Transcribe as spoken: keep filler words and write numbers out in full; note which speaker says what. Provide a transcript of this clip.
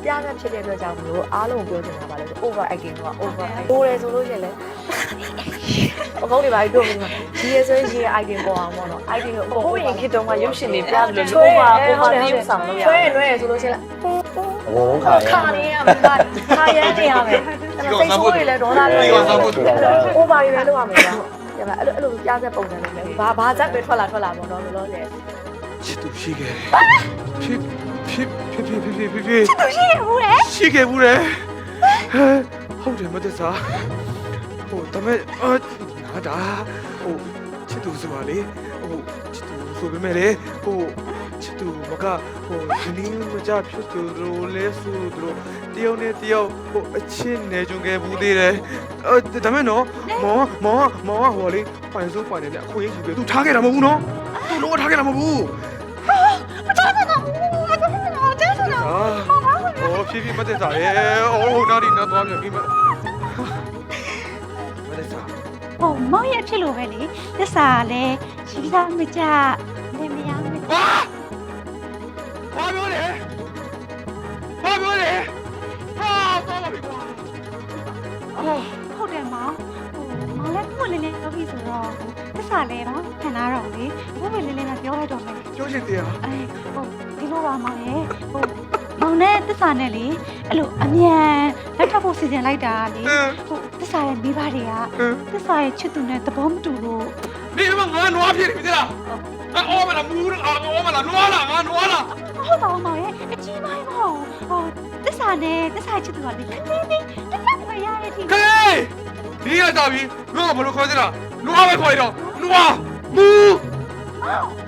Speaker 1: ပြားကဖြစ်တဲ့အတွက်ကြောင့်မလို့အားလုံးပြောချင်တာပါလေ over acting က over acting ပိုတယ်ဆိုလို့ရှိရင်လည်းအကောင်းတွေပါပြီးပြောပြီးမှဒီရဆိုရင်ဒီ acting ပေါ်အောင်ပေါ့နော် acting ကိုအကုန်ရင်ခေတ္တမှာရုပ်ရှင်တွေပြလို့လို့ over over ပြုဆောင်လို့ရဆွဲလွဲရဆိုလို့ရှိရင်
Speaker 2: အကုန်လုံးခါရ
Speaker 1: ခါနေရမှာခါရဲနေရမယ်စိတ်ဆိုးတွေလည်းဒေါသတွေလည်း over တွေလည်းလုပ်ရမယ်ကွာဒီမှာအဲ့လိုအဲ့လိုပြားဆက်ပုံစံလေးပဲဘာဘာဇက်ပဲထွက်လာထွက်လာပေါ့နော်လောလောဆယ်
Speaker 3: ချစ်သူရှိခဲ့ဖြစ်ဖြစ်ဖြစ်ဖြစ်ဖြစ်ဖြစ်ဖြစ်
Speaker 4: ချစ်သူရှိခဲ့ဘူးလေ
Speaker 3: ရှိခဲ့ဘူးလေဟုတ်တယ်မသက်စာဟိုဒါမဲ့အာငါဒါဟိုချစ်သူဆိုပါလေဟိုချစ်သူဆိုပေမဲ့လေဟိုချစ်သူမကဟိုဒီနေ့မကြဖြစ်သူတို့လဲဆိုတို့တယောက်နဲ့တယောက်ဟိုအချင်းနေကြုံခဲ့ဘူးသေးတယ်အဲဒါမဲ့နော်မောမောမောဟိုလေပိုင်စိုးပိုင်နေတဲ့အခွင့်အရေးယူပြီးသူထားခဲ့တာမဟုတ်ဘူးနော်သူလုံးဝထားခဲ့တာမဟုတ်ဘူး
Speaker 4: မတော်တော့ဘူးမတော်တော့ကျဆရာ
Speaker 3: 哦，皮皮没得啥耶，哦，哪里那多少皮没？没得啥。
Speaker 4: ဟိုမောင်ရဲ့ဖြစ်လို့ပဲလေသစ္စာလည်းရှိသားမကြနေမရဘူး
Speaker 3: 哇！花表嘞！花表嘞！啊，糟了，别挂。哦，
Speaker 4: ဟုတ်တယ်မောင်ဟိုမောင်လည်းကိုယ်လေးလေးပြောပြီးဆိုတော့သစ္စာလည်းတော့ခံလာတော့လေကိုယ်လေးလေးနဲ့ပြောလိုက်တော့မယ်
Speaker 3: ပြောချင်တယ်啊。
Speaker 4: အဲဟိုဒီလိုပါမောင်ရဲ့ဟိုမောင်နဲ့သစ္စာနဲ့လေအဲ့လိုအမြန်လက်ထပ်ဖို့စီစဉ်လိုက်တာလေဟိုသစ္စာရဲ့မိဘတွေကသစ္စာရဲ့ချစ်သူနဲ့သဘောမတူလို့
Speaker 3: 你他妈俺挪皮的，对啦？俺熬没了，木了，俺熬没了，挪了，俺挪了。
Speaker 4: ဟုတ်ပါဦးမောင်ရဲ့အကြီးပိုင်းမဟုတ်ဟိုသစ္စာနဲ့သစ္စာချစ်သူကလေခင်းနေနေတစ်ခါမရတဲ့ที
Speaker 3: 嘿，你也大皮，我怎么都快点了？挪没快点？挪，木。